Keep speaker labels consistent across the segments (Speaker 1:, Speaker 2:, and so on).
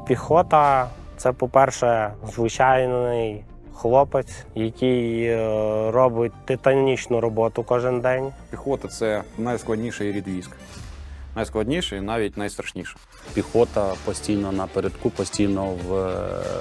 Speaker 1: Піхота – це, по-перше, звичайний хлопець, який робить титанічну роботу кожен день.
Speaker 2: Піхота – це найскладніший рід військ. Найскладніший і навіть найстрашніший.
Speaker 3: Піхота постійно напередку, постійно в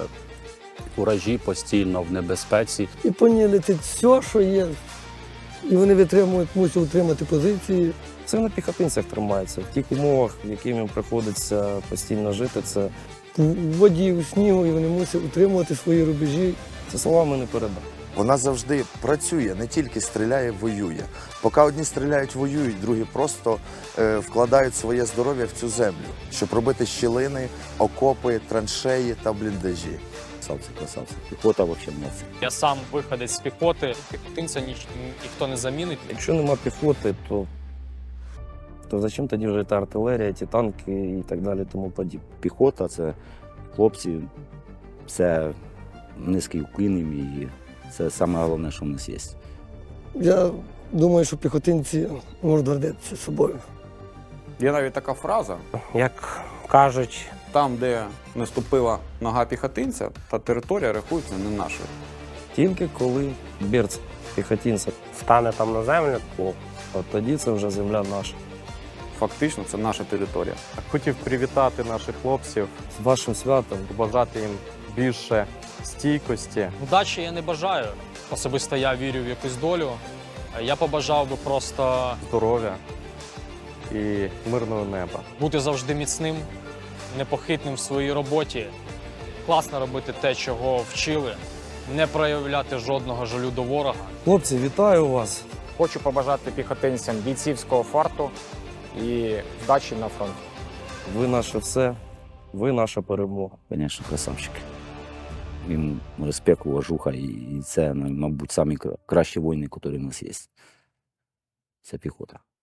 Speaker 3: уражі, постійно в небезпеці.
Speaker 4: І по ній летить все, що є. І вони мусять утримати позиції.
Speaker 5: Це на піхотинцях тримається. В тих умовах, в яких їм приходиться постійно жити, це
Speaker 4: В воді, у снігу, і вони мусять утримувати свої рубежі.
Speaker 5: словами не передати.
Speaker 6: Вона завжди працює, не тільки стріляє, воює. Поки одні стріляють, воюють, другі просто вкладають своє здоров'я в цю землю, щоб робити щілини, окопи, траншеї та бліндажі.
Speaker 7: Красавці. Піхота взагалі молодці.
Speaker 8: Я сам виходець з піхоти, піхотинця ніхто не замінить.
Speaker 5: Якщо нема піхоти, то зачем тоді вже та артилерія, ті танки і так далі, тому подібне.
Speaker 7: Піхота це хлопці, це низький уклін їм, і це саме головне, що в нас є.
Speaker 4: Я думаю, що піхотинці можуть гордитися собою.
Speaker 2: Є навіть така фраза:
Speaker 1: Як кажуть,
Speaker 2: там, де не ступила нога піхотинця, та територія рахується не нашою.
Speaker 5: Тільки коли берц піхотинця,
Speaker 1: стане там на землю,
Speaker 5: от тоді це вже земля наша.
Speaker 2: Фактично, це наша територія.
Speaker 9: Хотів привітати наших хлопців,
Speaker 5: З вашим святом.
Speaker 9: побажати їм більше стійкості.
Speaker 8: Удачі я не бажаю. Особисто я вірю в якусь долю. Я побажав би просто
Speaker 9: Здоров'я і мирного неба.
Speaker 8: бути завжди міцним, непохитним в своїй роботі, класно робити те, чого вчили, не проявляти жодного жалю до ворога.
Speaker 5: Хлопці, вітаю вас!
Speaker 10: Хочу побажати піхотинцям бійцівського фарту і вдачі на фронті.
Speaker 5: Ви наше все, ви наша перемога.
Speaker 7: Звісно, красавчики. Їм респект, уважуха, і це, мабуть, самі кращі воїни, які в нас є. Це піхота.